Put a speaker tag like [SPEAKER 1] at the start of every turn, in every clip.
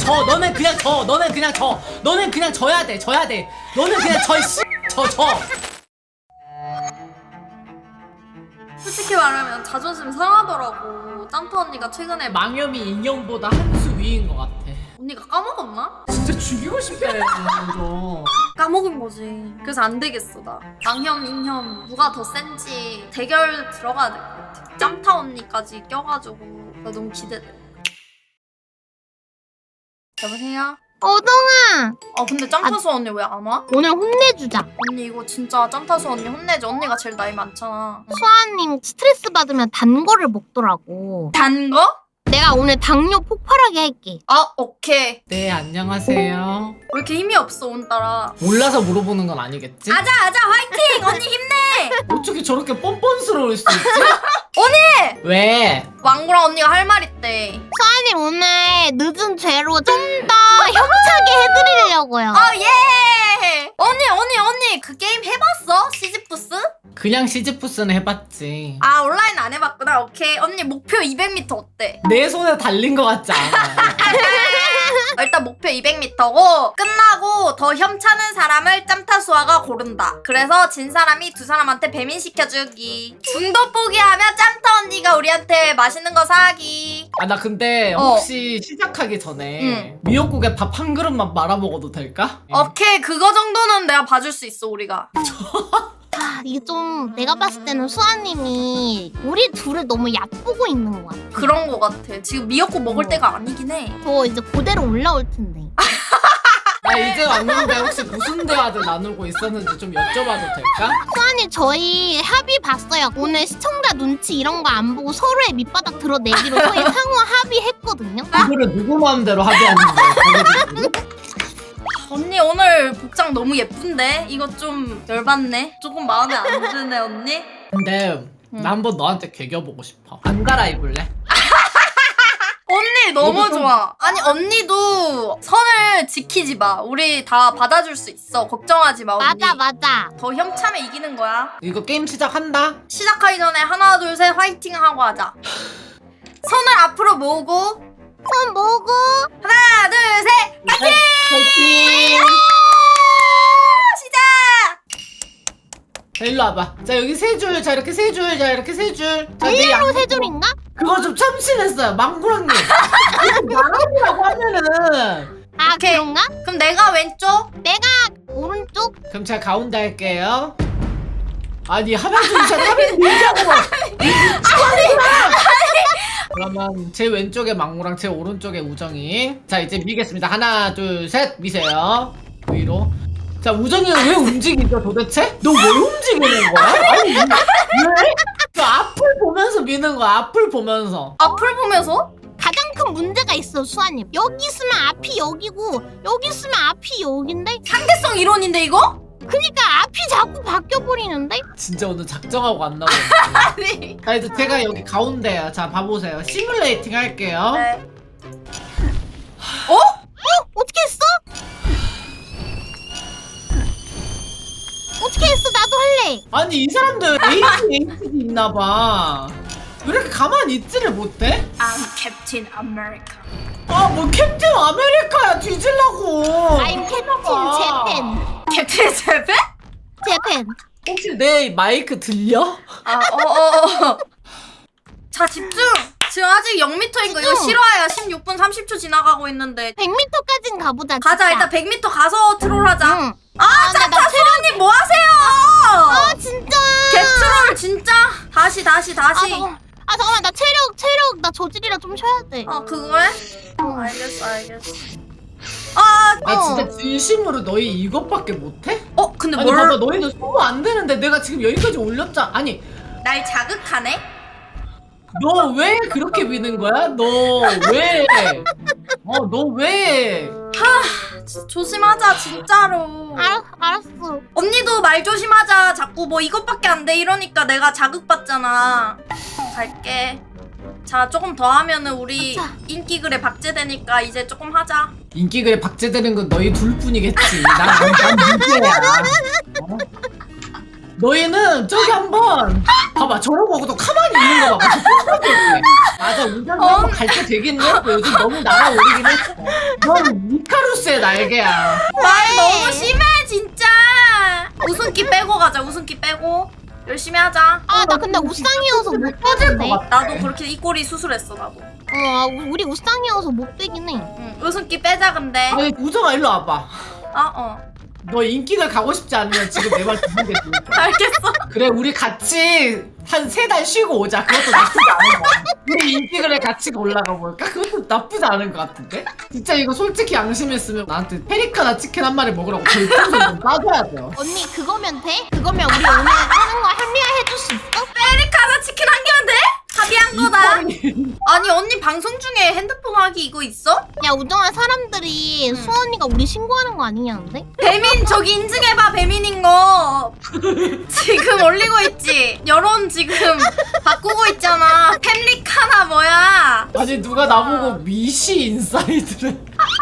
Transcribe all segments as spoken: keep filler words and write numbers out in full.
[SPEAKER 1] 져. 너네 그냥 져. 너네 그냥 져. 너네 그냥 져야 돼. 져야 돼. 너네 그냥 져. 씨. 져 져.
[SPEAKER 2] 솔직히 말하면 자존심 상하더라고. 짬타 언니가 최근에 막
[SPEAKER 1] 망염이 인형보다 한 수 위인 것 같아.
[SPEAKER 2] 언니가 까먹었나?
[SPEAKER 1] 진짜 죽이고 싶다 이거.
[SPEAKER 2] 까먹은 거지. 그래서 안 되겠어 나. 망혐 인혐 누가 더 센지 대결 들어가야 될 것 같아. 짬타 언니까지 껴가지고 나 너무 기대돼. 여보세요?
[SPEAKER 3] 어동아
[SPEAKER 2] 아 근데 짬타수 언니 왜 안 와?
[SPEAKER 3] 오늘 혼내주자.
[SPEAKER 2] 언니 이거 진짜 짬타수 언니 혼내지. 언니가 제일 나이 많잖아.
[SPEAKER 3] 수아님 스트레스 받으면 단 거를 먹더라고.
[SPEAKER 2] 단 거?
[SPEAKER 3] 내가 오늘 당뇨 폭발하게 할게.
[SPEAKER 2] 아 오케이.
[SPEAKER 1] 네 안녕하세요.
[SPEAKER 2] 왜 이렇게 힘이 없어 오늘따라.
[SPEAKER 1] 몰라서 물어보는 건 아니겠지?
[SPEAKER 2] 아자 아자 화이팅! 언니 힘내!
[SPEAKER 1] 어떻게 저렇게 뻔뻔스러울 수 있지?
[SPEAKER 2] 언니!
[SPEAKER 1] 왜?
[SPEAKER 2] 왕구랑 언니가 할 말 있대.
[SPEAKER 3] 수아님 오늘 늦은 죄로 좀 더 협차게 해드리려고요.
[SPEAKER 2] 아 예! 언니 언니 언니 그 게임 해봤어? 시지푸스?
[SPEAKER 1] 그냥 시즈푸스는 해봤지.
[SPEAKER 2] 아 온라인 안 해봤구나. 오케이. 언니 목표 이백 미터 어때?
[SPEAKER 1] 내 손에 달린 것 같지 않아?
[SPEAKER 2] 아, 일단 목표 이백 미터고 끝나고 더 협차는 사람을 짬타수아가 고른다. 그래서 진 사람이 두 사람한테 배민시켜주기. 중도 포기하면 짬타 언니가 우리한테 맛있는 거 사기.
[SPEAKER 1] 아 나 근데
[SPEAKER 2] 어.
[SPEAKER 1] 혹시 시작하기 전에
[SPEAKER 2] 응.
[SPEAKER 1] 미역국에 밥 한 그릇만 말아 먹어도 될까?
[SPEAKER 2] 오케이 그거 정도는 내가 봐줄 수 있어 우리가.
[SPEAKER 3] 아, 이게 좀 내가 봤을 때는 수아님이 우리 둘을 너무 얕보고 있는 것 같아.
[SPEAKER 2] 그런 거 같아. 지금 미역국 먹을
[SPEAKER 3] 어.
[SPEAKER 2] 때가 아니긴 해.
[SPEAKER 3] 저 이제 그대로 올라올 텐데.
[SPEAKER 1] 나 이제 왔는데 혹시 무슨 대화들 나누고 있었는지 좀 여쭤봐도 될까?
[SPEAKER 3] 수아님 저희 합의 봤어요. 오늘 시청자 눈치 이런 거 안 보고 서로의 밑바닥 드러내기로 저희 상호 합의했거든요.
[SPEAKER 1] 이거를 누구 마음대로 합의하는 거야? 자기들끼리?
[SPEAKER 2] 언니 오늘 복장 너무 예쁜데? 이거 좀 열받네. 조금 마음에 안 드네 언니.
[SPEAKER 1] 근데
[SPEAKER 2] 응.
[SPEAKER 1] 나 한번 너한테 개겨보고 싶어. 안 갈아입을래?
[SPEAKER 2] 언니 너무
[SPEAKER 1] 너도 좀-
[SPEAKER 2] 좋아. 아니 언니도 선을 지키지 마. 우리 다 받아줄 수 있어. 걱정하지 마 언니.
[SPEAKER 3] 맞아 맞아.
[SPEAKER 2] 더 협차면 이기는 거야.
[SPEAKER 1] 이거 게임 시작한다?
[SPEAKER 2] 시작하기 전에 하나 둘 셋 화이팅 하고 하자. 손을 앞으로 모으고
[SPEAKER 3] 손 모으고
[SPEAKER 2] 하나 둘 셋 화이팅!
[SPEAKER 1] 화이팅!
[SPEAKER 2] 시작!
[SPEAKER 1] 자 일로 와봐. 자 여기 세 줄. 자 이렇게 세 줄. 자 이렇게 세 줄. 자, 내
[SPEAKER 3] 일로
[SPEAKER 1] 양쪽.
[SPEAKER 3] 세 줄인가?
[SPEAKER 1] 그거 좀 참신했어요. 망구랑님. 나라고 하면은.
[SPEAKER 3] 아
[SPEAKER 2] 오케이.
[SPEAKER 3] 그런가?
[SPEAKER 2] 그럼 내가 왼쪽.
[SPEAKER 3] 내가 오른쪽?
[SPEAKER 1] 그럼 제가 가운데 할게요. 아니 하나 둘셋 하면 밀자고. 그러면 제 왼쪽에 망구랑 제 오른쪽에 우정이. 자 이제 미겠습니다. 하나 둘 셋 미세요. 위로. 자 우정이는 왜 움직이죠 도대체? 너 왜 움직이는 거야? 아니 왜? 왜? 그 앞을 보면서 미는 거야. 앞을 보면서.
[SPEAKER 2] 앞을 보면서?
[SPEAKER 3] 가장 큰 문제가 있어 수아님. 여기 있으면 앞이 여기고 여기 있으면 앞이 여긴데?
[SPEAKER 2] 상대성 이론인데 이거?
[SPEAKER 3] 그니까 앞이 자꾸 바뀌어버리는데?
[SPEAKER 1] 진짜 오늘 작정하고 안 나오네.
[SPEAKER 2] 아니.
[SPEAKER 1] 자 이제 제가 여기 가운데요. 자 봐보세요. 시뮬레이팅 할게요.
[SPEAKER 2] 네.
[SPEAKER 3] 어? 어떻게 했어? 어떻게 했어? 나도 할래.
[SPEAKER 1] 아니 이 사람들 에이치에이치디 있나봐. 왜 이렇게 가만히 있지를 못해?
[SPEAKER 2] I'm Captain America.
[SPEAKER 1] 아 뭐 캡틴 아메리카야 뒤질라고.
[SPEAKER 3] I'm 캡틴
[SPEAKER 2] 캡틴 제페?
[SPEAKER 3] 재팬.
[SPEAKER 1] 혹시 내 마이크 들려?
[SPEAKER 2] 아, 어어어. 자 집중. 지금 아직 영 미터인 거 이거
[SPEAKER 3] 집중.
[SPEAKER 2] 실화야. 십육 분 삼십 초 지나가고 있는데.
[SPEAKER 3] 백 미터까진 가보자.
[SPEAKER 2] 가자
[SPEAKER 3] 진짜.
[SPEAKER 2] 일단 백 미터 가서 트롤하자.
[SPEAKER 3] 응.
[SPEAKER 2] 아
[SPEAKER 3] 아, 나-
[SPEAKER 2] 짬타
[SPEAKER 3] 나
[SPEAKER 2] 수원님 뭐 하세요?
[SPEAKER 3] 아 진짜.
[SPEAKER 2] 개트롤 진짜. 다시 다시
[SPEAKER 3] 아,
[SPEAKER 2] 다시.
[SPEAKER 3] 잠깐. 아 잠깐만 나 체력 체력 나 저질이라 좀 쉬어야 돼.
[SPEAKER 2] 어 그거해?
[SPEAKER 3] 어.
[SPEAKER 2] 알겠어 알겠어. 아,
[SPEAKER 1] 나
[SPEAKER 3] 어.
[SPEAKER 1] 진짜 진심으로 너희 이것밖에 못해?
[SPEAKER 2] 어 근데
[SPEAKER 1] 아니
[SPEAKER 2] 뭘?
[SPEAKER 1] 봐봐 너희는 소모 안 되는데 내가 지금 여기까지 올렸잖아. 아니
[SPEAKER 2] 날 자극하네?
[SPEAKER 1] 너 왜 그렇게 미는 거야? 너 왜? 어 너 왜?
[SPEAKER 2] 지- 조심하자 진짜로.
[SPEAKER 3] 알 알았어.
[SPEAKER 2] 언니도 말 조심하자. 자꾸 뭐 이것밖에 안 돼 이러니까 내가 자극받잖아. 갈게. 자 조금 더 하면은 우리
[SPEAKER 3] 가자.
[SPEAKER 2] 인기글에 박제되니까 이제 조금 하자.
[SPEAKER 1] 인기글에 박제되는 건 너희 둘뿐이겠지. 난난 문제야. 어? 너희는 저기 한번 봐봐. 저러고 보고도 가만히 있는 거 봐봐. 맞아, 우정이
[SPEAKER 2] 어?
[SPEAKER 1] 한번 갈 때 되긴 해. 요즘 너무 날아오르긴 했어. 넌 이카루스의 날개야.
[SPEAKER 2] 말 너무 심해 진짜. 웃음기 빼고 가자. 웃음기 빼고 열심히 하자.
[SPEAKER 3] 아 나 근데 우상이어서 못
[SPEAKER 1] 꺼질 것
[SPEAKER 3] 빼겠네.
[SPEAKER 1] 같아.
[SPEAKER 2] 나도 그렇게 이 꼴이 수술했어 나도.
[SPEAKER 3] 어 우리 우상이어서 못 빼긴 해.
[SPEAKER 2] 응. 웃음기 빼자 근데.
[SPEAKER 1] 아니, 우정아 일로 와봐.
[SPEAKER 2] 어 어.
[SPEAKER 1] 너 인기를 가고 싶지 않으면 지금 내 말 듣는 게 좋을 거야.
[SPEAKER 2] 알겠어.
[SPEAKER 1] 그래, 우리 같이 한 세 달 쉬고 오자. 그것도 나쁘지 않은 거야. 우리 인기글에 같이 올라가 볼까? 그것도 나쁘지 않은 것 같은데? 진짜 이거 솔직히 양심 있으면 나한테 페리카나 치킨 한 마리 먹으라고 별풍선 좀 따줘야 돼요.
[SPEAKER 3] 언니 그거면 돼? 그거면 우리 오늘 하는 거 합리화해줄 수 있어?
[SPEAKER 2] 페리카나 치킨 한 개면 돼? 합의한 거다. 아니 언니 방송 중에 핸드폰 하기 이거 있어?
[SPEAKER 3] 야 우정아 사람들이
[SPEAKER 2] 응.
[SPEAKER 3] 수원이가 우리 신고하는 거 아니냐는데?
[SPEAKER 2] 배민 저기 인증해봐 배민인 거. 지금 올리고 있지. 여론 지금 바꾸고 있잖아. 팸리카나 뭐야?
[SPEAKER 1] 아니, 누가 나보고 미시 인사이드를.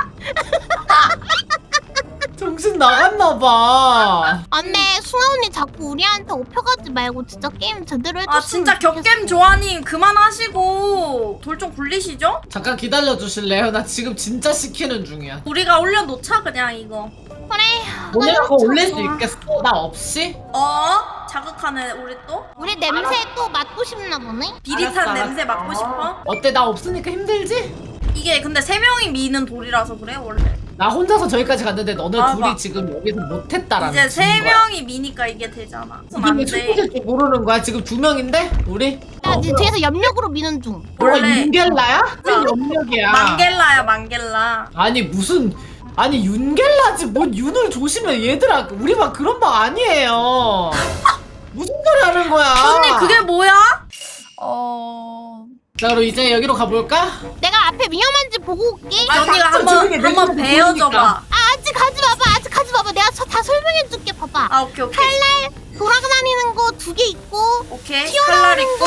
[SPEAKER 1] 정신 나갔나봐.
[SPEAKER 3] 안돼 수아 언니 자꾸 우리한테 업혀가지 말고 진짜 게임 제대로 해줬으면
[SPEAKER 2] 아 진짜 격겜
[SPEAKER 3] 좋겠어.
[SPEAKER 2] 조아님 그만하시고 돌 좀 굴리시죠?
[SPEAKER 1] 잠깐 기다려 주실래요? 나 지금 진짜 시키는 중이야.
[SPEAKER 2] 우리가 올려놓자 그냥 이거.
[SPEAKER 3] 그래
[SPEAKER 1] 오늘 그거
[SPEAKER 3] 좋아,
[SPEAKER 1] 올릴 수
[SPEAKER 3] 좋아.
[SPEAKER 1] 있겠어? 나 없이?
[SPEAKER 2] 어? 자극하네 우리 또?
[SPEAKER 3] 우리 냄새 또 맡고 싶나 보네?
[SPEAKER 2] 비릿한
[SPEAKER 1] 알았어,
[SPEAKER 2] 냄새
[SPEAKER 1] 알았어.
[SPEAKER 2] 맡고 싶어?
[SPEAKER 1] 어때? 나 없으니까 힘들지?
[SPEAKER 2] 이게 근데 세 명이 미는 돌이라서 그래 원래.
[SPEAKER 1] 나 혼자서 저기까지 갔는데 너네
[SPEAKER 2] 아,
[SPEAKER 1] 둘이
[SPEAKER 2] 막-
[SPEAKER 1] 지금 여기서 못했다라는
[SPEAKER 2] 이제 세
[SPEAKER 1] 증거야.
[SPEAKER 2] 명이 미니까 이게 되잖아.
[SPEAKER 1] 이게
[SPEAKER 2] 안
[SPEAKER 1] 왜
[SPEAKER 2] 돼.
[SPEAKER 1] 초코질 줄 모르는 거야? 지금 두 명인데? 우리?
[SPEAKER 3] 야
[SPEAKER 1] 어,
[SPEAKER 3] 니 뒤에서 염력으로 미는 중.
[SPEAKER 1] 뭐가
[SPEAKER 2] 원래-
[SPEAKER 1] 윤겔라야?
[SPEAKER 2] 자,
[SPEAKER 1] 무슨 염력이야?
[SPEAKER 2] 망겔라야 망겔라.
[SPEAKER 1] 아니 무슨 아니 윤겔라지 뭔 윤을 조심해 얘들아. 우리 막 그런 방 아니에요. 무슨 소리 하는 거야?
[SPEAKER 2] 언니 그게 뭐야? 어...
[SPEAKER 1] 자 그럼 이제 여기로 가볼까?
[SPEAKER 3] 내가 앞에 위험한지 보고 올게.
[SPEAKER 1] 아,
[SPEAKER 2] 언니가
[SPEAKER 1] 닥쳐,
[SPEAKER 2] 한번
[SPEAKER 1] 조용히 해.
[SPEAKER 2] 한번
[SPEAKER 1] 내
[SPEAKER 2] 배워줘봐.
[SPEAKER 1] 보니까.
[SPEAKER 3] 아 아직 가지 마봐 아직 가지 마봐 내가 저 다 설명해줄게 봐봐.
[SPEAKER 2] 아 오케이 오케이
[SPEAKER 3] 칼날 돌아다니는 거 두 개 있고
[SPEAKER 2] 오케이. 칼날
[SPEAKER 3] 튀어나오는
[SPEAKER 2] 있고.
[SPEAKER 3] 거.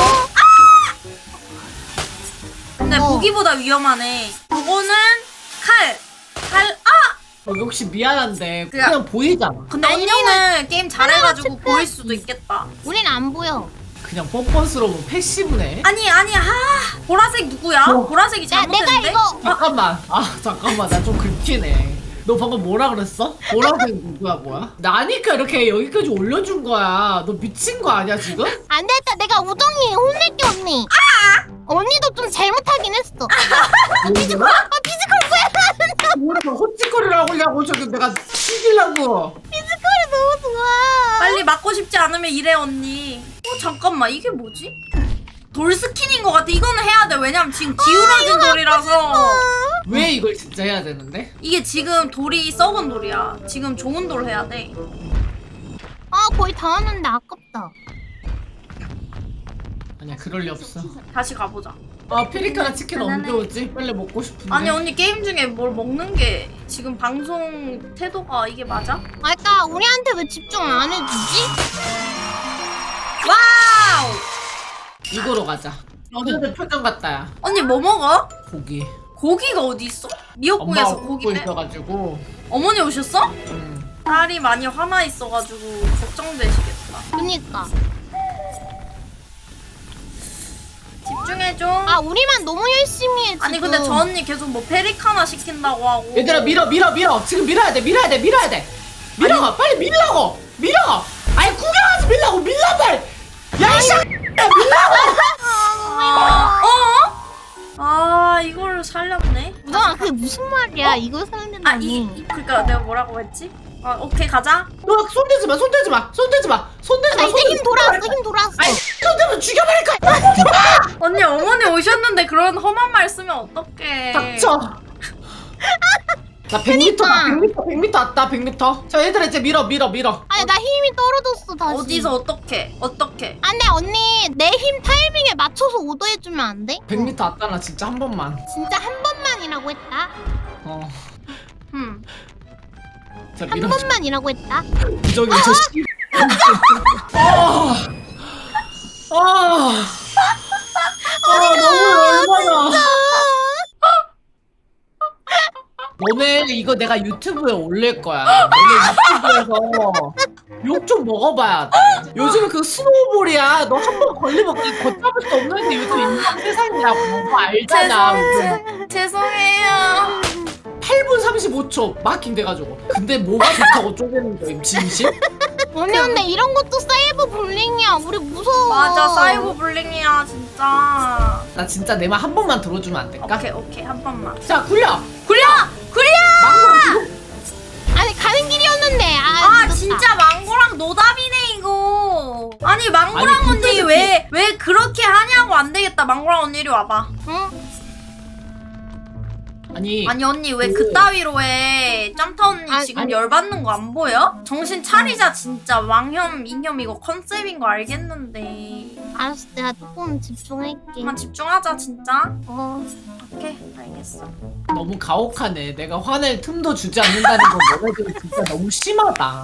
[SPEAKER 2] 근데
[SPEAKER 3] 어.
[SPEAKER 2] 무기보다 위험하네. 이거는 칼. 칼. 아!
[SPEAKER 1] 어, 혹시 미안한데
[SPEAKER 2] 그냥-
[SPEAKER 1] 그냥 보이잖아.
[SPEAKER 2] 근데
[SPEAKER 3] 아니,
[SPEAKER 2] 언니는 게임 잘해가지고
[SPEAKER 3] 하나씩
[SPEAKER 2] 보일 수도 있겠다.
[SPEAKER 3] 우린 안 보여.
[SPEAKER 1] 그냥 뻔뻔스러운 패시브네.
[SPEAKER 2] 아니 아니 아 보라색 누구야?
[SPEAKER 1] 어.
[SPEAKER 2] 보라색이
[SPEAKER 3] 야 내가
[SPEAKER 2] 잘못했는데?
[SPEAKER 3] 이거
[SPEAKER 1] 잠깐만. 아 잠깐만 나 좀 긁히네. 너 방금 뭐라 그랬어? 보라색 누구야 뭐야? 나니까 이렇게 여기까지 올려준 거야. 너 미친 거 아니야 지금?
[SPEAKER 3] 안 됐다 내가 우정이 혼낼게 언니. 아! 언니도 좀 잘못하긴 했어.
[SPEAKER 1] 피지컬?
[SPEAKER 3] 아 피지컬 뭐야?
[SPEAKER 1] 뭐라고 헛짓거리를 하려고 저기 내가 죽이려고.
[SPEAKER 3] 피지컬이 너무 좋아.
[SPEAKER 2] 빨리 맞고 싶지 않으면 이래 언니. 어 잠깐만 이게 뭐지? 돌 스킨인 것 같아. 이거는 해야 돼. 왜냐면 지금 기울어진 돌이라서.
[SPEAKER 1] 왜 이걸 진짜 해야 되는데?
[SPEAKER 2] 이게 지금 돌이 썩은 돌이야. 지금 좋은 돌 해야 돼.
[SPEAKER 3] 아 거의 다 왔는데 아깝다.
[SPEAKER 1] 아니야 그럴 리 없어.
[SPEAKER 2] 다시 가보자.
[SPEAKER 1] 아 피리카나 치킨 언제 오지? 빨리 먹고 싶은데.
[SPEAKER 2] 아니 언니 게임 중에 뭘 먹는 게 지금 방송 태도가 이게 맞아?
[SPEAKER 3] 아 그니까 우리한테 왜 집중 안 해주지?
[SPEAKER 2] 와우!
[SPEAKER 1] 이거로 가자. 너네들 표정 같다야.
[SPEAKER 2] 언니 뭐 먹어?
[SPEAKER 1] 고기.
[SPEAKER 2] 고기가 어디 있어?
[SPEAKER 1] 엄마가
[SPEAKER 2] 미역국에서 고기
[SPEAKER 1] 굽고
[SPEAKER 2] 빼.
[SPEAKER 1] 있어가지고.
[SPEAKER 2] 어머니 오셨어?
[SPEAKER 1] 음.
[SPEAKER 2] 딸이 많이 화나 있어가지고 걱정되시겠다.
[SPEAKER 3] 그니까.
[SPEAKER 2] 집중해줘.
[SPEAKER 3] 아 우리만 너무 열심히 해 지금.
[SPEAKER 2] 아니 근데 저 언니 계속 뭐 페리카나 시킨다고 하고.
[SPEAKER 1] 얘들아 밀어 밀어 밀어. 지금 밀어야 돼 밀어야 돼 밀어야 돼. 밀어 빨리 밀라고 밀어. 아니 구경하지 밀라고 밀라 빨리. 야이씨.
[SPEAKER 2] 아, 어? 아 이걸 살렸네.
[SPEAKER 3] 우정아 그게 무슨 말이야? 이걸
[SPEAKER 2] 아
[SPEAKER 3] 살린다니.
[SPEAKER 2] 이, 이 그러니까 내가 뭐라고 했지? 아 오케이 가자.
[SPEAKER 1] 너 손대지 마 손대지 마 손대지 마 손대지
[SPEAKER 3] 나
[SPEAKER 1] 마.
[SPEAKER 3] 이제 힘 돌아왔어 힘 돌아왔어.
[SPEAKER 1] 아니 손대면 죽여버릴 거야.
[SPEAKER 2] 언니 어머니 오셨는데 그런 험한 말 쓰면 어떡해.
[SPEAKER 1] 닥쳐. 나 백 미터다 백 미터 백 미터 왔다 백 미터. 자 얘들아 이제 밀어 밀어 밀어.
[SPEAKER 3] 아니 나 힘이 떨어졌어 다시.
[SPEAKER 2] 어디서 어떻게 어떻게?
[SPEAKER 3] 안돼 언니 내 힘 타이밍에 맞춰서 오더해주면 안 돼?
[SPEAKER 1] 백 미터 왔다 나 진짜 한 번만.
[SPEAKER 3] 진짜 한 번만이라고 했다.
[SPEAKER 1] 어.
[SPEAKER 2] 음.
[SPEAKER 1] 자
[SPEAKER 3] 한
[SPEAKER 1] 밀어.
[SPEAKER 3] 번만이라고 했다.
[SPEAKER 1] 부정이 저 씨. 아. 아. 아 너무 열받아. 너네 이거 내가 유튜브에 올릴 거야. 너네 유튜브에서 욕 좀 먹어봐야 돼. 요즘에 그 스노우볼이야. 너 한 번 걸리면 그냥 걷잡을 수 없는 게 요즘 인간 세상이라고. 뭐 알잖아.
[SPEAKER 2] 죄송, 죄송해요.
[SPEAKER 1] 팔 분 삼십오 초 마킹 돼가지고. 근데 뭐가 좋다고 쪼개는 거임 진심?
[SPEAKER 3] 언니 근데 이런 것도 사이버 불링이야. 우리 무서워.
[SPEAKER 2] 맞아, 사이버 불링이야 진짜.
[SPEAKER 1] 나 진짜 내 말 한 번만 들어주면 안 될까?
[SPEAKER 2] 오케이 오케이 한 번만.
[SPEAKER 1] 자 굴려!
[SPEAKER 2] 굴려! 굴려!
[SPEAKER 1] 망고랑 지금
[SPEAKER 3] 아니 가는 길이었는데. 아,
[SPEAKER 2] 아
[SPEAKER 3] 늦었다.
[SPEAKER 2] 진짜 망고랑 노답이네 이거. 아니 망고랑
[SPEAKER 1] 아니,
[SPEAKER 2] 언니
[SPEAKER 1] 그때는
[SPEAKER 2] 왜 왜 그렇게 하냐고. 안 되겠다. 망고랑 언니 이리 와봐.
[SPEAKER 3] 응?
[SPEAKER 1] 아니
[SPEAKER 2] 아니 언니 왜
[SPEAKER 1] 그-
[SPEAKER 2] 그따위로 해. 짬타 언니
[SPEAKER 3] 아니,
[SPEAKER 2] 지금
[SPEAKER 1] 아니.
[SPEAKER 2] 열받는 거 안 보여? 정신 차리자 진짜. 왕혐 인혐 이거 컨셉인 거 알겠는데.
[SPEAKER 3] 알았어, 내가 조금 집중할게.
[SPEAKER 2] 그만 집중하자 진짜.
[SPEAKER 3] 어.
[SPEAKER 2] 오케이 알겠어.
[SPEAKER 1] 너무 가혹하네. 내가 화낼 틈도 주지 않는다는 건 너네들 진짜 너무 심하다.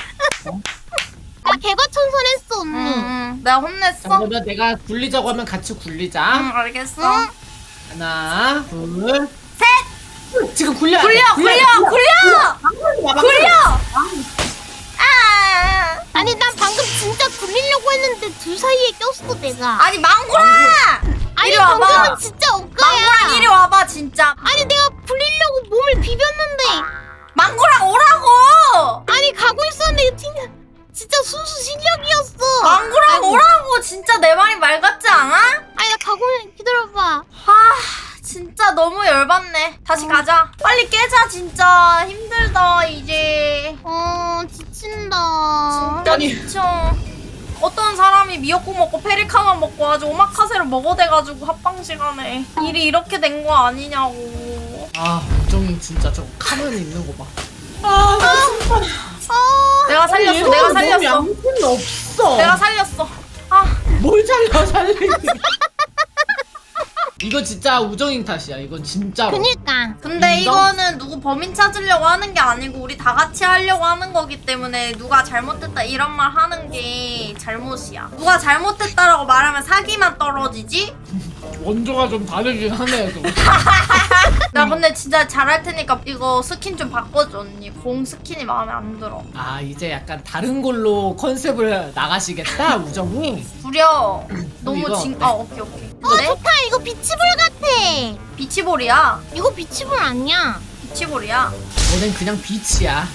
[SPEAKER 3] 나 개과천선했어 언니.
[SPEAKER 2] 응, 응. 내가 혼냈어?
[SPEAKER 1] 자, 그러면 내가 굴리자고 하면 같이 굴리자.
[SPEAKER 2] 응 알겠어.
[SPEAKER 3] 응?
[SPEAKER 1] 하나, 둘, 셋! 지금 굴려!
[SPEAKER 2] 굴려 굴려 굴려 굴려. 아
[SPEAKER 3] 아니 난 방금 진짜 굴리려고 했는데 둘 사이에 꼈어 내가.
[SPEAKER 2] 아니 망고랑
[SPEAKER 3] 아니
[SPEAKER 2] 이리 와봐.
[SPEAKER 3] 방금은 진짜 억가야.
[SPEAKER 2] 망고랑 이리 와봐 진짜.
[SPEAKER 3] 아니 내가 굴리려고 몸을 비볐는데.
[SPEAKER 2] 망고랑 오라고.
[SPEAKER 3] 아니 가고 있었는데 진짜 진짜 순수 실력이었어.
[SPEAKER 2] 망고랑
[SPEAKER 3] 아이고.
[SPEAKER 2] 오라고. 진짜 내 말이 말 같지 않아?
[SPEAKER 3] 아니 나 가고 있- 기다려봐.
[SPEAKER 2] 아 진짜 너무 열받네. 다시 가자. 빨리 깨자 진짜. 힘들다 이제.
[SPEAKER 3] 어 지친다.
[SPEAKER 2] 진짜
[SPEAKER 1] 아니.
[SPEAKER 2] 미쳐. 어떤 사람이 미역국 먹고 페리카만 먹고 아주 오마카세를 먹어대가지고 합방 시간에 일이 이렇게 된 거 아니냐고.
[SPEAKER 1] 아, 우정이 진짜 저 가면 있는 거 봐. 아, 나 진짜.
[SPEAKER 3] 어.
[SPEAKER 2] 내가 살렸어.
[SPEAKER 1] 아니,
[SPEAKER 2] 내가
[SPEAKER 1] 얘는
[SPEAKER 2] 살렸어.
[SPEAKER 1] 몸이 아무튼 없어.
[SPEAKER 2] 내가 살렸어. 아
[SPEAKER 1] 뭘 살려, 살리기. 이거 진짜 우정인 탓이야. 이건 진짜로.
[SPEAKER 3] 그니까.
[SPEAKER 2] 근데
[SPEAKER 1] 인정?
[SPEAKER 2] 이거는 누구 범인 찾으려고 하는 게 아니고 우리 다 같이 하려고 하는 거기 때문에 누가 잘못됐다 이런 말 하는 게 잘못이야. 누가 잘못됐다라고 말하면 사기만 떨어지지?
[SPEAKER 1] 원조가 좀 다르긴 하네. 좀.
[SPEAKER 2] 나 근데 진짜 잘할 테니까 이거 스킨 좀 바꿔줘 언니. 공 스킨이 마음에 안 들어.
[SPEAKER 1] 아, 이제 약간 다른 걸로 컨셉을 나가시겠다, 우정이.
[SPEAKER 2] 구려. 너무
[SPEAKER 1] 이거
[SPEAKER 2] 진.
[SPEAKER 1] 어때?
[SPEAKER 2] 아 오케이 오케이.
[SPEAKER 3] 어
[SPEAKER 2] 근데
[SPEAKER 3] 좋다. 이거 비치볼 같아.
[SPEAKER 2] 비치볼이야.
[SPEAKER 3] 이거 비치볼 아니야.
[SPEAKER 2] 비치볼이야.
[SPEAKER 1] 너넨 그냥 빛이야.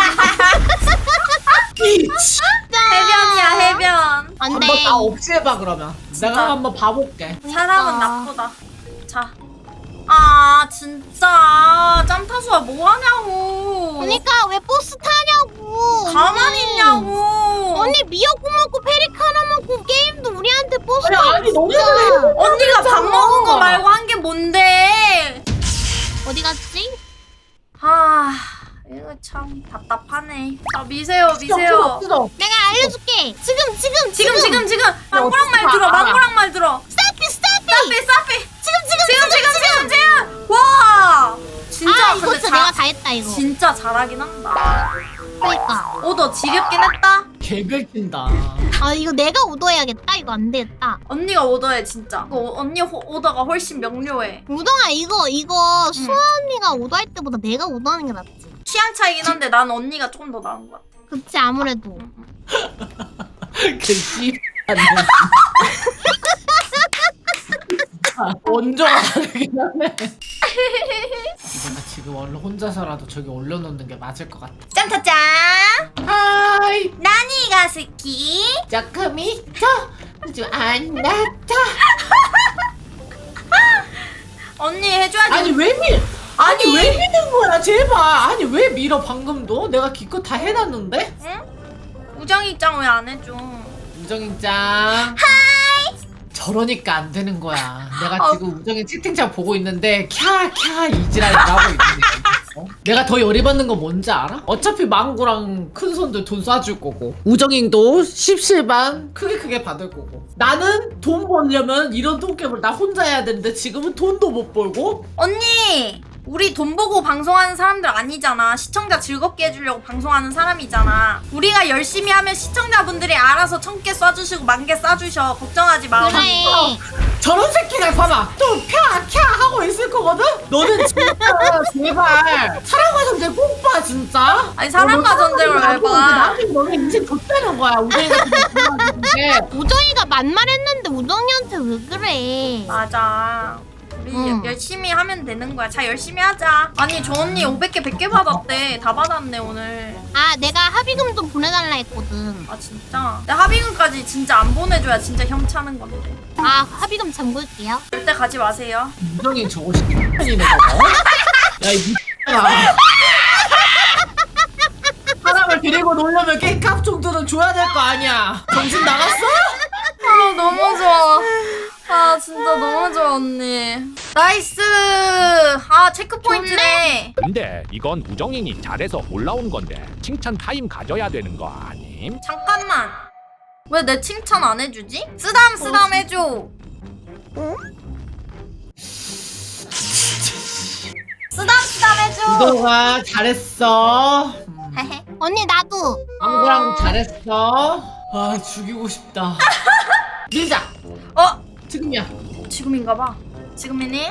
[SPEAKER 1] 빛!
[SPEAKER 2] 해변이야 해변.
[SPEAKER 3] 안돼.
[SPEAKER 1] 한번 다 없애봐, 그러면. 내가 한번 봐볼게.
[SPEAKER 2] 사람은 나쁘다. 자. 아 진짜 짬타수아 뭐 하냐고.
[SPEAKER 3] 그러니까 왜 버스 타냐고.
[SPEAKER 2] 가만히
[SPEAKER 3] 언니.
[SPEAKER 2] 있냐고.
[SPEAKER 3] 언니 미역국 먹고 페리카나 먹고 게임도 우리한테 버스
[SPEAKER 1] 아니,
[SPEAKER 3] 타고
[SPEAKER 1] 아니, 너무
[SPEAKER 3] 진짜.
[SPEAKER 2] 언니가 밥 먹은 거 말고 한 게 뭔데?
[SPEAKER 3] 어디 갔지?
[SPEAKER 2] 아 이거 참 답답하네. 자 미세요 미세요.
[SPEAKER 1] 뜯어.
[SPEAKER 3] 내가 알려줄게. 지금 지금
[SPEAKER 2] 지금 지금 지금 망고랑 말
[SPEAKER 1] 어떡하-
[SPEAKER 2] 들어. 망고랑 말 들어.
[SPEAKER 3] 스타피 스타피.
[SPEAKER 2] 싸피 싸피.
[SPEAKER 3] 지금 지금
[SPEAKER 2] 지금 지금 지금 지금. 와 진짜
[SPEAKER 3] 아 이거
[SPEAKER 2] 근데
[SPEAKER 3] 진짜
[SPEAKER 2] 자,
[SPEAKER 3] 내가 다 했다 이거.
[SPEAKER 2] 진짜 잘하긴 한다.
[SPEAKER 3] 그러니까.
[SPEAKER 2] 오더 지겹긴 했다.
[SPEAKER 1] 개긁힌다.
[SPEAKER 3] 아 이거 내가 오더해야겠다. 이거 안 되겠다.
[SPEAKER 2] 언니가 오더해 진짜. 이거 언니 호, 오더가 훨씬 명료해.
[SPEAKER 3] 우동아 이거 이거 수아 언니가 오더할 때보다 내가 오더하는 게 낫지.
[SPEAKER 2] 취향 차이긴 한데 난 언니가 조금 더 나은 것 같아.
[SPEAKER 3] 그치 아무래도.
[SPEAKER 1] 개씨. 원조가 다르긴 하네. 내가 지금 얼른 혼자서라도 저기 올려놓는 게 맞을 것 같아.
[SPEAKER 2] 짠짜짠.
[SPEAKER 1] 하이,
[SPEAKER 2] 나니가 스키.
[SPEAKER 1] 조금이죠? 아주 안 나타.
[SPEAKER 2] 언니 해줘야지.
[SPEAKER 1] 아니 왜 밀? 아니,
[SPEAKER 2] 아니.
[SPEAKER 1] 왜 미는 거야 제발. 아니 왜 밀어 방금도? 내가 기껏 다 해놨는데?
[SPEAKER 2] 응? 우정이 입장 왜 안 해줘?
[SPEAKER 1] 우정인짱. 하이. 저러니까 안 되는 거야. 내가
[SPEAKER 2] 어.
[SPEAKER 1] 지금 우정이 채팅창 보고 있는데 캬캬 이지랄을 하고 있는 거야. 어? 내가 더 열이 받는 건 뭔지 알아? 어차피 망구랑 큰 손들 돈 쏴줄 거고 우정인도 십실반 크게 크게 받을 거고 나는 돈 벌려면 이런 돈깨물 나 혼자 해야 되는데 지금은 돈도 못 벌고
[SPEAKER 2] 언니 우리 돈 보고 방송하는 사람들 아니잖아. 시청자 즐겁게 해주려고 방송하는 사람이잖아. 우리가 열심히 하면 시청자분들이 알아서 천 개 쏴주시고 만 개 쏴주셔. 걱정하지 마.
[SPEAKER 3] 그래.
[SPEAKER 1] 저런 새끼가 봐봐 또 펴캬 하고 있을 거거든? 너는 진짜 제발 사랑과 전쟁 꼭 봐 진짜.
[SPEAKER 2] 아니 사랑과 전쟁을 왜 봐?
[SPEAKER 1] 나중에 너네 인생 좆되는 거야 우정이가 그게.
[SPEAKER 3] 우정이가 만말했는데 우정이한테 왜 그래?
[SPEAKER 2] 맞아. 우리
[SPEAKER 3] 응.
[SPEAKER 2] 열심히 하면 되는 거야. 자 열심히 하자. 아니 저 언니 오백 개 백 개 받았대. 다 받았네 오늘.
[SPEAKER 3] 아 내가 합의금 좀 보내달라 했거든.
[SPEAKER 2] 아 진짜? 근데 합의금까지 진짜 안 보내줘야 진짜 협차는 건데.
[SPEAKER 3] 아 합의금 잠글게요.
[SPEAKER 2] 절대 가지 마세요.
[SPEAKER 1] 우정이 저거 시키네 저거. 야이 미친아. 사람을 데리고 놀려면 게임값 정도는 줘야 될 거 아니야. 정신 나갔어?
[SPEAKER 2] 아 너무 좋아. 아 진짜 너무 좋아 언니. 나이스. 아 체크포인트네.
[SPEAKER 4] 근데 이건 우정인이 잘해서 올라온 건데 칭찬 타임 가져야 되는 거 아님?
[SPEAKER 2] 잠깐만. 왜 내 칭찬 안 해주지? 쓰담 쓰담 해줘. 쓰담 쓰담 해줘.
[SPEAKER 1] 우동아 잘했어.
[SPEAKER 2] 헤헤.
[SPEAKER 3] 언니 나도.
[SPEAKER 1] 망고랑 잘했어. 아 죽이고 싶다. 밀자.
[SPEAKER 2] 어?
[SPEAKER 1] 지금이야.
[SPEAKER 2] 지금인가봐. 지금이니?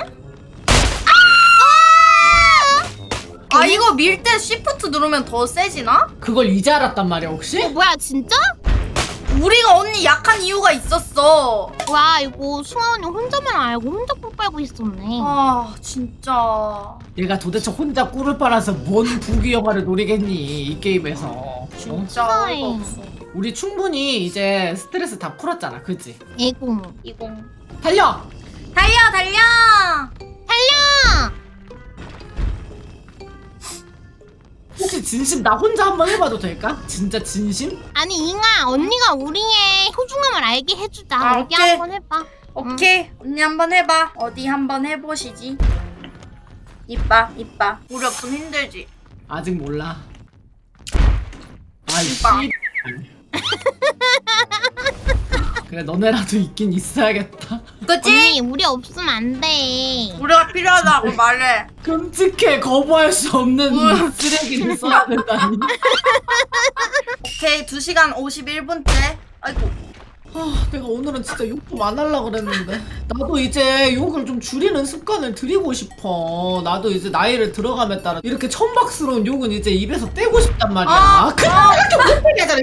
[SPEAKER 2] 아 이거 밀 때 시프트 누르면 더 세지나?
[SPEAKER 1] 그걸 이제 알았단 말이야 혹시?
[SPEAKER 3] 어 뭐야 진짜?
[SPEAKER 2] 우리가 언니 약한 이유가 있었어.
[SPEAKER 3] 와 이거 승아 언니 혼자만 알고 혼자 꿀 빨고 있었네.
[SPEAKER 2] 아 진짜.
[SPEAKER 1] 얘가 도대체 혼자 꿀을 빨아서 뭔 부귀영화를 노리겠니 이 게임에서. 어?
[SPEAKER 2] 진짜
[SPEAKER 3] 세상에.
[SPEAKER 2] 어이가 없어.
[SPEAKER 1] 우리 충분히 이제 스트레스 다 풀었잖아 그치?
[SPEAKER 3] 에고.
[SPEAKER 2] 이공.
[SPEAKER 1] 달려!
[SPEAKER 2] 달려 달려.
[SPEAKER 3] 달려.
[SPEAKER 1] 혹시 진심 나 혼자 한번 해봐도 될까? 진짜 진심?
[SPEAKER 3] 아니 잉아 언니가 우리의 소중함을 알게 해주자.
[SPEAKER 2] 아,
[SPEAKER 3] 어디
[SPEAKER 2] 오케이.
[SPEAKER 3] 한번 해봐.
[SPEAKER 2] 오케이 언니 한번 해봐. 어디 한번 해보시지. 이빠 이빠. 우리 없으면 힘들지.
[SPEAKER 1] 아직 몰라. 아이 씨.
[SPEAKER 2] 이봐.
[SPEAKER 1] 그래 너네라도 있긴 있어야겠다.
[SPEAKER 2] 그치?
[SPEAKER 3] 언니 우리 없으면 안 돼.
[SPEAKER 2] 우리가 필요하다고 말해.
[SPEAKER 1] 끔찍해 거부할 수 없는 쓰레기를 써야 된다니.
[SPEAKER 2] 오케이 두 시간 오십일 분째. 아이고.
[SPEAKER 1] 아, 내가 오늘은 진짜 욕 좀 안 하려고 그랬는데 나도 이제 욕을 좀 줄이는 습관을 들이고 싶어. 나도 이제 나이를 들어감에 따라 이렇게 천박스러운 욕은 이제 입에서 떼고 싶단 말이야.
[SPEAKER 2] 아,
[SPEAKER 1] 그냥
[SPEAKER 2] 아.
[SPEAKER 1] 이렇게 못되게 하잖아.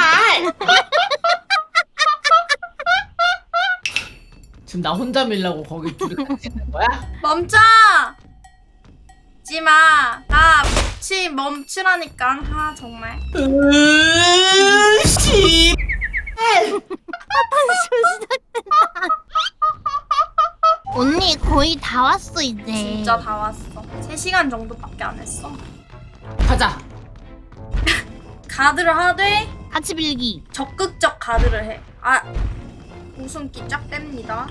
[SPEAKER 1] 지금 나 혼자 밀라고 거기 둘이 같이 있는 거야?
[SPEAKER 2] 멈춰! 지마. 나 치 멈추라니까. 아 정말.
[SPEAKER 1] 으, 씨.
[SPEAKER 3] 언니 거의 다 왔어 이제.
[SPEAKER 2] 진짜 다 왔어. 세 시간 정도밖에 안 했어.
[SPEAKER 1] 가자.
[SPEAKER 2] 가드를 하되
[SPEAKER 3] 같이 빌기.
[SPEAKER 2] 적극적 가드를 해. 아 웃음기 쫙 뺍니다.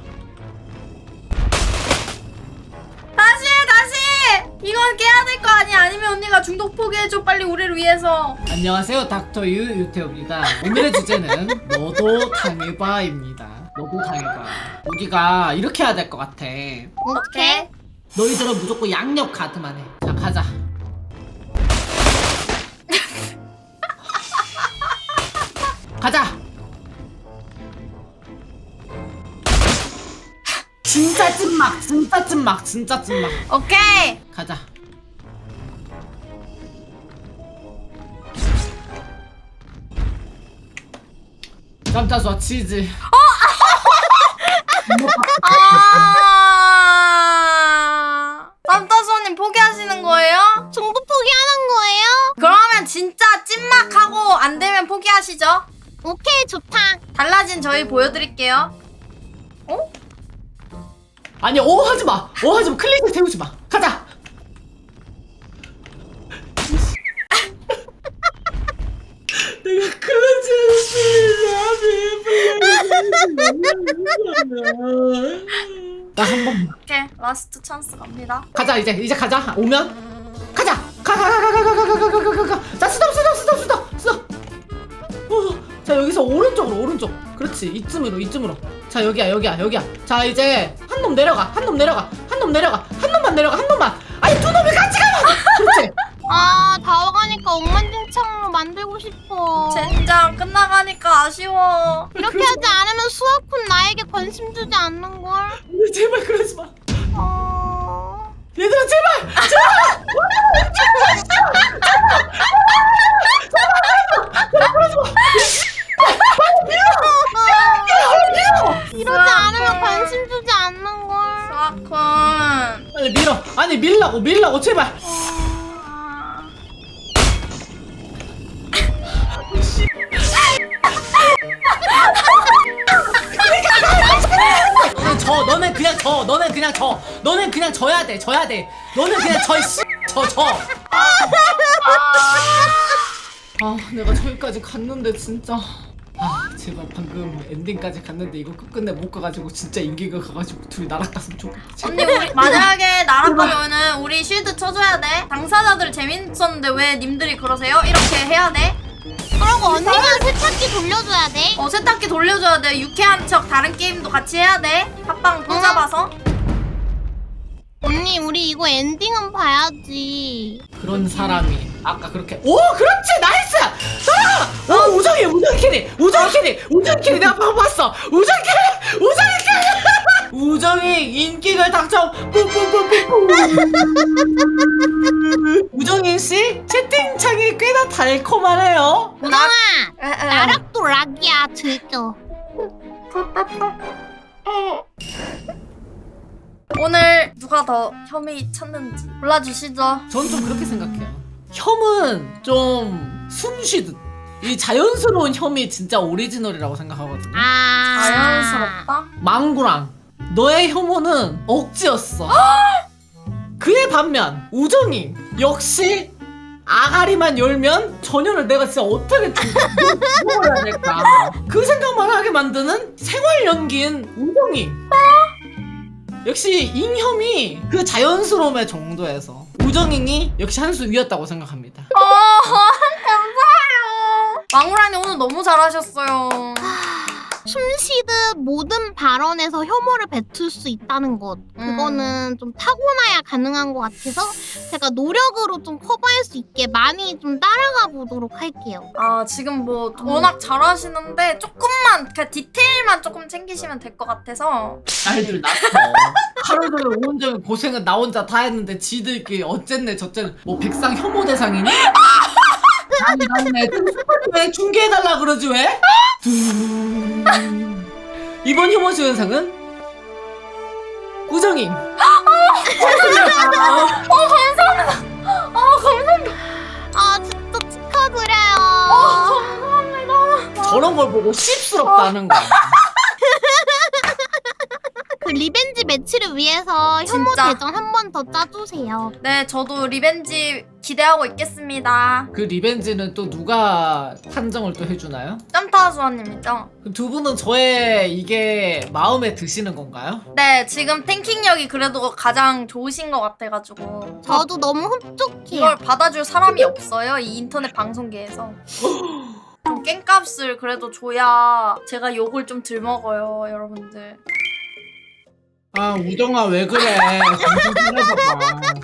[SPEAKER 2] 다시 다시! 이건 깨야 될 거 아니야? 아니면 언니가 중독 포기해줘 빨리 우리를 위해서.
[SPEAKER 1] 안녕하세요 닥터 유 유태호입니다. 오늘의 주제는 너도 당해봐입니다. 너도 당해봐. 우리가 이렇게 해야 될 것 같아.
[SPEAKER 3] 오케이.
[SPEAKER 1] 너희들은 무조건 양옆 가드만 해. 자 가자. 가자. 진짜 찐막 진짜 찐막 진짜 찐막.
[SPEAKER 2] 오케이.
[SPEAKER 1] 가자. 깜짝이야 치즈.
[SPEAKER 2] 아. 쌈따수님 포기하시는 거예요?
[SPEAKER 3] 중독 포기하는 거예요?
[SPEAKER 2] 그러면 진짜 찐막하고 안 되면 포기하시죠.
[SPEAKER 3] 오케이 좋다.
[SPEAKER 2] 달라진 저희 보여드릴게요. 어?
[SPEAKER 1] 아니 어 하지마. 어 하지마. 클릭을 세우지마. 가자. 내가 클래스 나한 번.
[SPEAKER 2] 오케이 라스트 찬스 갑니다.
[SPEAKER 1] 가자 이제 이제 가자. 오면 가자. 가가가가가가가가가가. 자 스톱 스톱 스톱 스톱 스톱. 어, 자 여기서 오른쪽으로 오른쪽. 그렇지 이쯤으로 이쯤으로. 자 여기야 여기야 여기야. 자 이제 한 놈 내려가 한 놈 내려가 한 놈 내려가 한 놈만 내려가 한 놈만 아니 두 놈이 같이 가면 그렇지.
[SPEAKER 3] 아, 다 와가니까 엉망진창으로 만들고 싶어.
[SPEAKER 2] 젠장 끝나가니까 아쉬워.
[SPEAKER 3] 이렇게 하지 않으면 수아쿤 나에게 관심 주지 않는 걸.
[SPEAKER 1] 우리 제발 그러지 마.
[SPEAKER 3] 어...
[SPEAKER 1] 얘들아 제발
[SPEAKER 3] 이러지 않으면 관심 주지 않는 걸.
[SPEAKER 2] 수아쿤.
[SPEAKER 1] 빨리 밀어. 아니 밀라고 밀라고 제발. 너는 져. 너는 그냥 져. 너는 그냥 져. 너는 그냥 져야 돼. 져야 돼. 너는 그냥 져. 씨. 져 져. 아 내가 저기까지 갔는데 진짜. 아 제발 방금 엔딩까지 갔는데 이거 끝끝내 못 가가지고 진짜 인기가 가가지고 둘이 날아갔으면 좋겠지.
[SPEAKER 2] 언니 우리 만약에 날아가면은 우리 쉴드 쳐줘야 돼. 당사자들 재밌었는데 왜 님들이 그러세요? 이렇게 해야 돼.
[SPEAKER 3] 그러고 언니가 세탁기 돌려줘야 돼.
[SPEAKER 2] 어 세탁기 돌려줘야 돼. 유쾌한 척 다른 게임도 같이 해야 돼. 합방 또
[SPEAKER 3] 응.
[SPEAKER 2] 잡아서.
[SPEAKER 3] 언니 우리 이거 엔딩은 봐야지.
[SPEAKER 1] 그런 사람이 아까 그렇게 오 그렇지 나이스 따라가 오 우정이 우정이 캐리 우정이 캐리 우정이 캐리 내가 방금 봤어 우정이 캐리 우정이 캐리 우정이 인기를 당첨 뿌뿌뿌뿌뿌 우정인 씨 채팅창이 꽤나 달콤하네요.
[SPEAKER 3] 우정아,
[SPEAKER 2] 에, 에.
[SPEAKER 3] 나락도 락이야 즐겨.
[SPEAKER 2] 오늘 누가 더 혐의 찾는지 골라주시죠.
[SPEAKER 1] 전 좀 그렇게 생각해요. 혐은 좀 숨쉬듯 이 자연스러운 혐이 진짜 오리지널이라고 생각하거든요.
[SPEAKER 3] 아,
[SPEAKER 2] 자연스럽다.
[SPEAKER 1] 망구랑 너의 혐오는 억지였어. 그에 반면 우정이 역시 아가리만 열면 전혀를 내가 진짜 어떻게 죽어야 될까 그 생각만 하게 만드는 생활 연기인 우정이. 역시 잉혐이 그 자연스러움의 정도에서 우정잉이 역시 한 수 위였다고 생각합니다.
[SPEAKER 2] 어 감사해요. 망우라니 오늘 너무 잘하셨어요.
[SPEAKER 3] 숨쉬듯 모든 발언에서 혐오를 뱉을 수 있다는 것, 그거는 좀 타고나야 가능한 것 같아서 제가 노력으로 좀 커버할 수 있게 많이 좀 따라가 보도록 할게요.
[SPEAKER 2] 아 지금 뭐 워낙 잘하시는데 조금만 그 디테일만 조금 챙기시면 될 것 같아서.
[SPEAKER 1] 날들 났어. 하루 종일 온종일 고생은 나 혼자 다 했는데 지들끼리 어쨌네 저쨌네 뭐 백상 혐오 대상이니? 아니 맞네 왜 중계해달라 그러지 왜? 이번 혐오 주연상은 우정임.
[SPEAKER 2] 어 감사합니다. 어 감사합니다.
[SPEAKER 3] 아 진짜 축하드려요.
[SPEAKER 2] 어 감사합니다.
[SPEAKER 1] 저런 걸 보고 씹스럽다는 거야.
[SPEAKER 3] 그 리벤지 매치를 위해서 혐오
[SPEAKER 2] 진짜.
[SPEAKER 3] 대전 한 번 더 짜주세요.
[SPEAKER 2] 네 저도 리벤지 기대하고 있겠습니다.
[SPEAKER 1] 그 리벤지는 또 누가 판정을 또 해주나요?
[SPEAKER 2] 짬타수아님이죠.
[SPEAKER 1] 그럼 두 분은 저의 이게 마음에 드시는 건가요?
[SPEAKER 2] 네 지금 탱킹력이 그래도 가장 좋으신 것 같아가지고
[SPEAKER 3] 저도 너무 흡족해요.
[SPEAKER 2] 이걸 받아줄 사람이 없어요 이 인터넷 방송계에서. 좀 깽값을 그래도 줘야 제가 욕을 좀 덜 먹어요 여러분들.
[SPEAKER 1] 아 우정아 왜 그래 정신 차려봐봐.